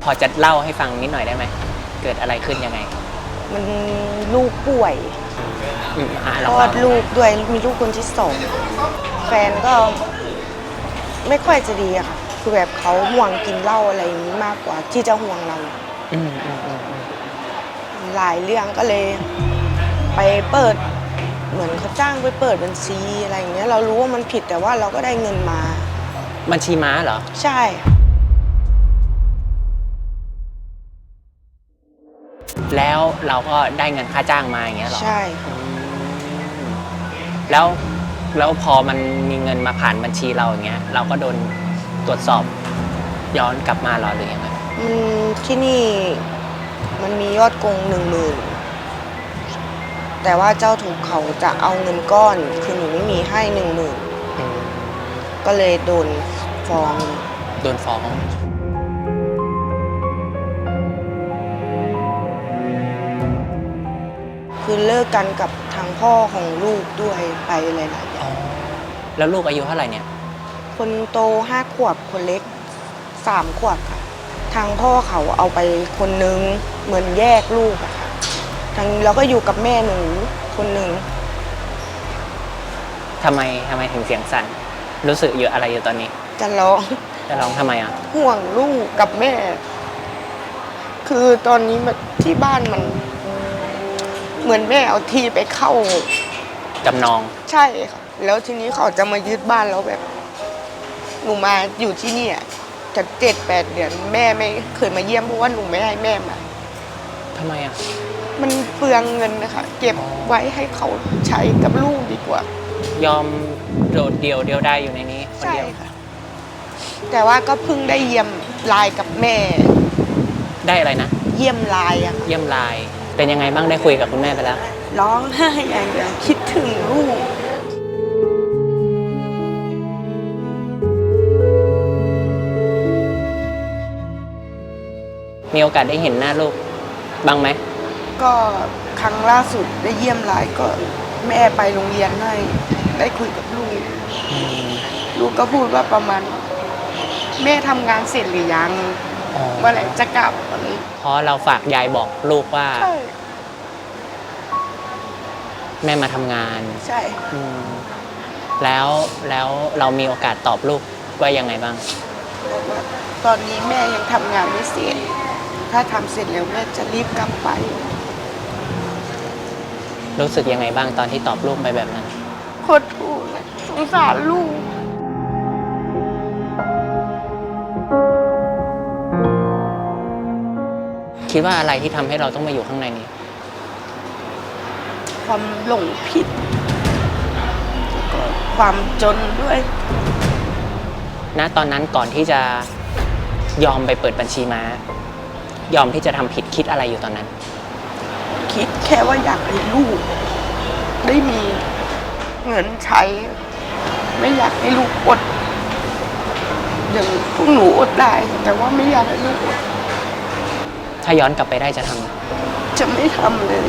พอจะเล่าให้ฟังนิดหน่อยได้ไหมเกิดอะไรขึ้นยังไงมันลูกป่วยคลอดลูกด้วยมีลูกคนที่2แฟนก็ไม่ค่อยจะดีอะค่ะคือแบบเขาห่วงกินเหล้าอะไรอย่างนี้มากกว่าที่จะห่วงเราหลายเรื่องก็เลยไปเปิดเหมือนเขาจ้างไปเปิดบัญชีอะไรอย่างเงี้ยเรารู้ว่ามันผิดแต่ว่าเราก็ได้เงินมาบัญชีม้าเหรอใช่แล้วเราก็ได้เงินค่าจ้างมาอย่างเงี้ยหรอใช่แล้วพอมันมีเงินมาผ่านบัญชีเราอย่างเงี้ยเราก็โดนตรวจสอบย้อนกลับมาหรอหรือยังไงที่นี่มันมียอดโกง10,000แต่ว่าเจ้าทุกเขาจะเอาเงินก้อนคือหนูไม่มีให้10,000ก็เลยโดนฟ้องคือเลิกกันกับทางพ่อของลูกด้วยไปหลายๆอย่างแล้วลูกอายุเท่าไหร่เนี่ยคนโต5 ขวบคนเล็ก3 ขวบค่ะทางพ่อเขาเอาไปคนนึงเหมือนแยกลูกอะค่ะทางเราก็อยู่กับแม่หนูคนนึงทำไมถึงเสียงสั่นรู้สึกเยอะอะไรอยู่ตอนนี้จะร้องทำไมอ่ะห่วงลูกกับแม่คือตอนนี้ที่บ้านมันเหมือนแม่เอาที่ไปเข้าจำนองใช่ค่ะแล้วทีนี้เขาจะมายึดบ้านแล้วแบบหนูมาอยู่ที่นี่จะ7-8 เดือนแม่ไม่เคยมาเยี่ยมเพราะว่าหนูไม่ให้แม่มาทำไมอ่ะมันเปลืองเงินนะคะเก็บไว้ให้เขาใช้กับลูกดีกว่ายอมโดดเดี่ยวได้อยู่ในนี้คนเดียวค่ะแต่ว่าก็เพิ่งได้เยี่ยมไลน์กับแม่ได้อะไรนะเยี่ยมไลน์อะเยี่ยมไลน์เป็นยังไงบ้างได้คุยกับคุณแม่ไปแล้วร้องไห้อย่างเดียวคิดถึงลูกมีโอกาสได้เห็นหน้าลูกบ้างไหมก็ครั้งล่าสุดได้เยี่ยมไลน์ก็แม่ไปโรงเรียนให้ได้คุยกับลูกลูกก็พูดว่าประมาณแม่ทำงานเสร็จหรือยังเมื่อไหร่จะกลับเพราะเราฝากยายบอกลูกว่าแม่มาทำงานใช่แล้วเรามีโอกาสตอบลูกว่ายังไงบ้างบอกว่าตอนนี้แม่ยังทำงานไม่เสร็จถ้าทำเสร็จแล้วแม่จะรีบกลับไปรู้สึกยังไงบ้างตอนที่ตอบลูกไปแบบนั้นโคตรถูกสงสารลูกคิดว่าอะไรที่ทำให้เราต้องมาอยู่ข้างในนี้ความหลงผิดแล้วก็ความจนด้วยณตอนนั้นก่อนที่จะยอมไปเปิดบัญชีม้ายอมที่จะทำผิดคิดอะไรอยู่ตอนนั้นคิดแค่ว่าอยากให้ลูกได้มีเงินใช้ไม่อยากให้ลูกอดอย่างพวกหนูอดได้แต่ว่าไม่อยากให้ลูกอดถ้าย้อนกลับไปได้จะทำจะไม่ทำเลย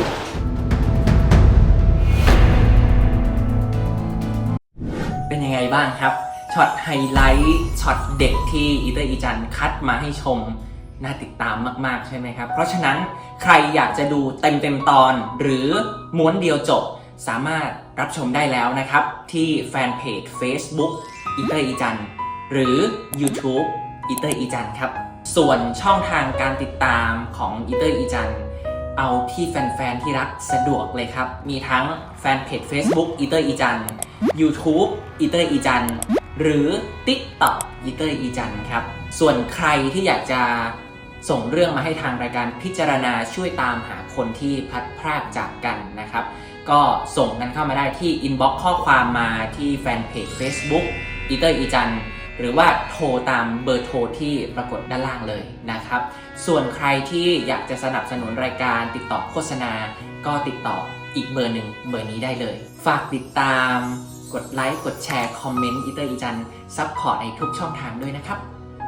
เป็นยังไงบ้างครับช็อตไฮไลท์ช็อตเด็กที่อีเตอร์อีจันคัดมาให้ชมน่าติดตามมากๆใช่ไหมครับเพราะฉะนั้นใครอยากจะดูเต็มตอนหรือม้วนเดียวจบสามารถรับชมได้แล้วนะครับที่แฟนเพจ Facebook อีเตอร์อีจันหรือ YouTube อีเตอร์อีจันครับส่วนช่องทางการติดตามของอีเตอร์อีจันเอาที่แฟนๆที่รักสะดวกเลยครับมีทั้งแฟนเพจ Facebook อีเตอร์อีจัน YouTube อีเตอร์อีจันหรือ TikTok อีเตอร์อีจันครับส่วนใครที่อยากจะส่งเรื่องมาให้ทางรายการพิจารณาช่วยตามหาคนที่พลัดพรากจากกันนะครับก็ส่งกันเข้ามาได้ที่อินบ็อกซ์ข้อความมาที่แฟนเพจ Facebook อีเตอร์อีจันหรือว่าโทรตามเบอร์โทรที่ปรากฏด้านล่างเลยนะครับส่วนใครที่อยากจะสนับสนุนรายการติดต่อโฆษณาก็ติดต่ออีกเบอร์หนึ่งเบอร์นี้ได้เลยฝากติดตามกดไลค์กดแชร์คอมเมนต์อีเตอร์อีจันซัพพอร์ตในทุกช่องทางด้วยนะครับ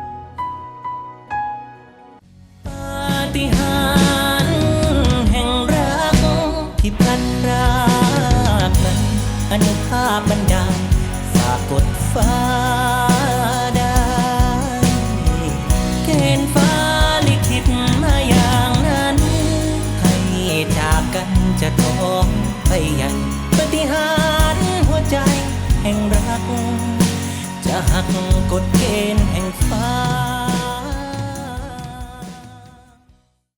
ปาฏิหาริย์แห่งรักที่พลัดพรากนั้นอนุภาพบันดาลฝากกดฟ้าได้เกณฑ์ฟ้าลิไปใหญ่ปฏิหารย์หัวใจแห่งรักจะหักกฎเกณฑ์แห่งฟ้า